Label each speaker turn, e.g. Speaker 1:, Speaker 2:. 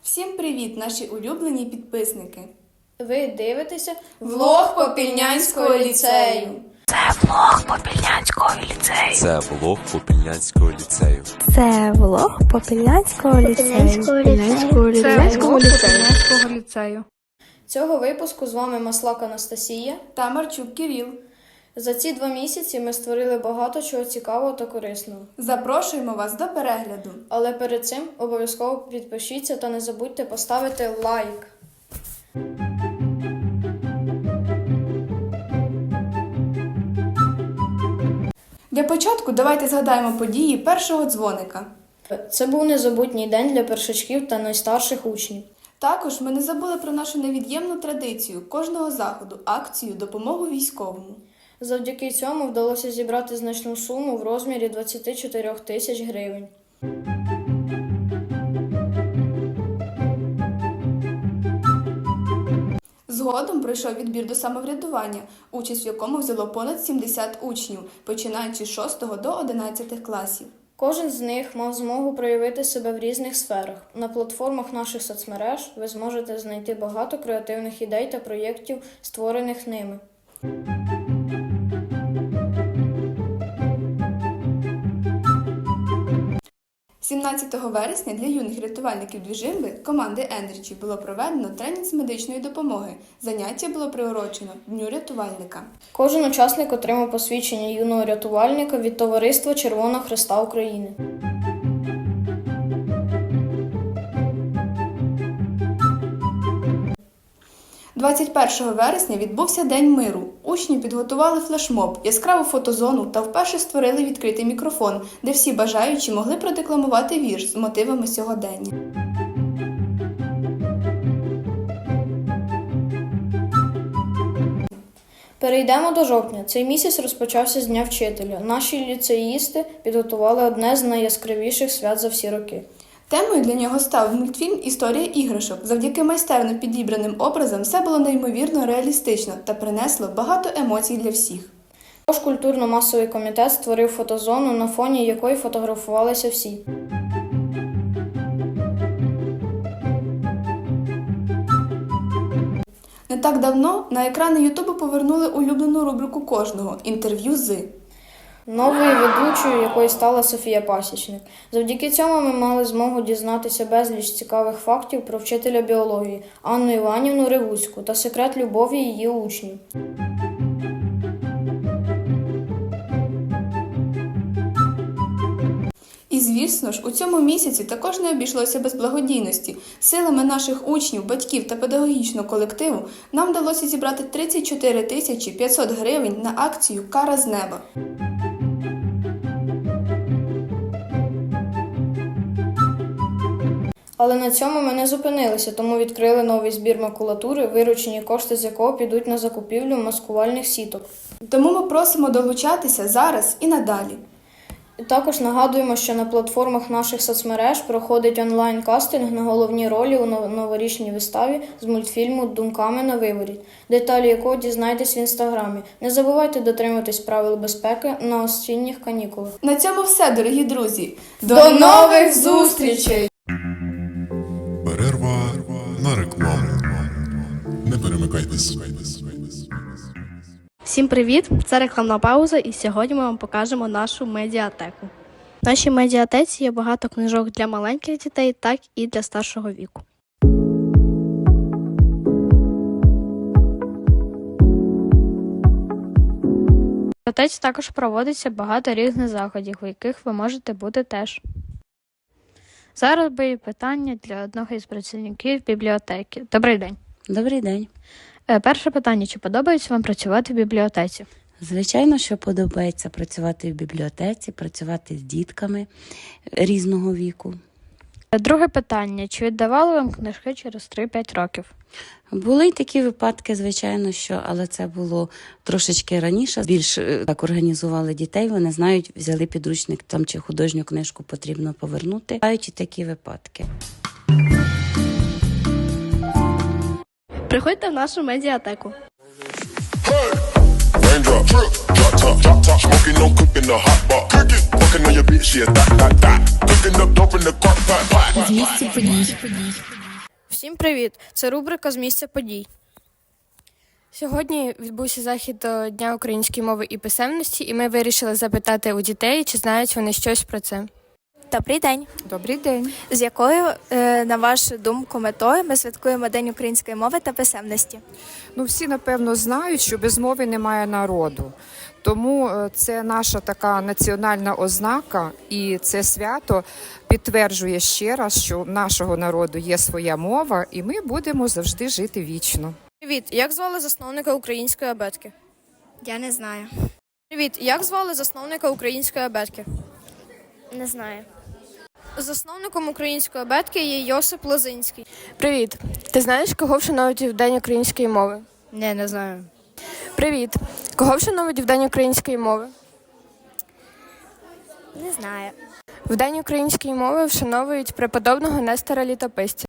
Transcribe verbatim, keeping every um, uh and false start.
Speaker 1: Всім привіт, наші улюблені підписники!
Speaker 2: Ви дивитеся
Speaker 1: Влог Попільнянського ліцею.
Speaker 3: Це влог Попільнянського ліцею.
Speaker 4: Це влог Попільнянського ліцею.
Speaker 3: Це влог Попільнянського ліцею.
Speaker 5: Попільнянського ліцею.
Speaker 2: Цього випуску з вами Маслак Анастасія
Speaker 1: Та Марчук Кирил.
Speaker 2: За ці два місяці ми створили багато чого цікавого та корисного.
Speaker 1: Запрошуємо вас до перегляду.
Speaker 2: Але перед цим обов'язково підпишіться та не забудьте поставити лайк.
Speaker 1: Для початку давайте згадаємо події першого дзвоника.
Speaker 2: Це був незабутній день для першачків та найстарших учнів.
Speaker 1: Також ми не забули про нашу невід'ємну традицію кожного заходу – акцію «Допомогу військовому».
Speaker 2: Завдяки цьому вдалося зібрати значну суму в розмірі двадцять чотири тисяч гривень.
Speaker 1: Згодом пройшов відбір до самоврядування, участь в якому взяло понад сімдесят учнів, починаючи з шостого до одинадцятого класів.
Speaker 2: Кожен з них мав змогу проявити себе в різних сферах. На платформах наших соцмереж ви зможете знайти багато креативних ідей та проєктів, створених ними.
Speaker 1: сімнадцятого вересня для юних рятувальників Двіжимби команди Energy було проведено тренінг з медичної допомоги. Заняття було приурочено Дню рятувальника.
Speaker 2: Кожен учасник отримав посвідчення юного рятувальника від Товариства Червоного Хреста України.
Speaker 1: двадцять першого вересня відбувся День миру. Учні підготували флешмоб, яскраву фотозону та вперше створили відкритий мікрофон, де всі бажаючі могли продекламувати вірш з мотивами сьогодення.
Speaker 2: Перейдемо до жовтня. Цей місяць розпочався з Дня вчителя. Наші ліцеїсти підготували одне з найяскравіших свят за всі роки.
Speaker 1: Темою для нього став мультфільм «Історія іграшок». Завдяки майстерно підібраним образам все було неймовірно реалістично та принесло багато емоцій для всіх.
Speaker 2: Також культурно-масовий комітет створив фотозону, на фоні якої фотографувалися всі.
Speaker 1: Не так давно на екрани Ютубу повернули улюблену рубрику кожного – «Інтерв'ю з».
Speaker 2: Новою ведучою, якою стала Софія Пасічник. Завдяки цьому ми мали змогу дізнатися безліч цікавих фактів про вчителя біології Анну Іванівну Ревуцьку та секрет любові її учнів.
Speaker 1: І, звісно ж, у цьому місяці також не обійшлося без благодійності. Силами наших учнів, батьків та педагогічного колективу нам вдалося зібрати тридцять чотири тисячі п'ятсот гривень на акцію «Кара з неба».
Speaker 2: Але на цьому ми не зупинилися, тому відкрили новий збір макулатури, виручені кошти з якого підуть на закупівлю маскувальних сіток.
Speaker 1: Тому ми просимо долучатися зараз і надалі.
Speaker 2: І також нагадуємо, що на платформах наших соцмереж проходить онлайн-кастинг на головні ролі у новорічній виставі з мультфільму «Думками на виворіт», деталі якого дізнаєтесь в інстаграмі. Не забувайте дотримуватись правил безпеки на осінніх канікулах.
Speaker 1: На цьому все, дорогі друзі.
Speaker 2: До нових зустрічей!
Speaker 6: Перерва на рекламу. Не перемикайтесь.
Speaker 5: Всім привіт! Це рекламна пауза, і сьогодні ми вам покажемо нашу медіатеку. В нашій медіатеці є багато книжок для маленьких дітей, так і для старшого віку. В медіатеці також проводиться багато різних заходів, у яких ви можете бути теж. Зараз буде питання для одного із працівників бібліотеки. Добрий день.
Speaker 7: Добрий день.
Speaker 5: Перше питання. Чи подобається вам працювати в бібліотеці?
Speaker 7: Звичайно, що подобається працювати в бібліотеці, працювати з дітками різного віку.
Speaker 5: Друге питання. Чи віддавали вам книжки через три-п'ять років?
Speaker 7: Були й такі випадки, звичайно, що, але це було трошечки раніше. Більш так організували дітей, вони знають, взяли підручник там чи художню книжку потрібно повернути. Бувають і такі випадки.
Speaker 5: Приходьте в нашу медіатеку.
Speaker 8: З місця подій.
Speaker 2: Всім привіт! Це рубрика з місця подій.
Speaker 8: Сьогодні відбувся захід до Дня української мови і писемності, і ми вирішили запитати у дітей, чи знають вони щось про це.
Speaker 9: Добрий день.
Speaker 10: Добрий день.
Speaker 9: З якою, е, на вашу думку, метою ми святкуємо День української мови та писемності?
Speaker 10: Ну, всі, напевно, знають, що без мови немає народу. Тому е, це наша така національна ознака, і це свято підтверджує ще раз, що в нашого народу є своя мова, і ми будемо завжди жити вічно.
Speaker 2: Привіт! Як звали засновника української абетки?
Speaker 9: Я не знаю.
Speaker 2: Привіт! Як звали засновника української абетки?
Speaker 9: Не знаю.
Speaker 2: Засновником української абетки є Йосип Лозинський.
Speaker 8: Привіт! Ти знаєш, кого вшановують в День української мови?
Speaker 2: Не, не знаю.
Speaker 8: Привіт! Кого вшановують в День української мови?
Speaker 9: Не знаю.
Speaker 8: В День української мови вшановують преподобного Нестора Літописця.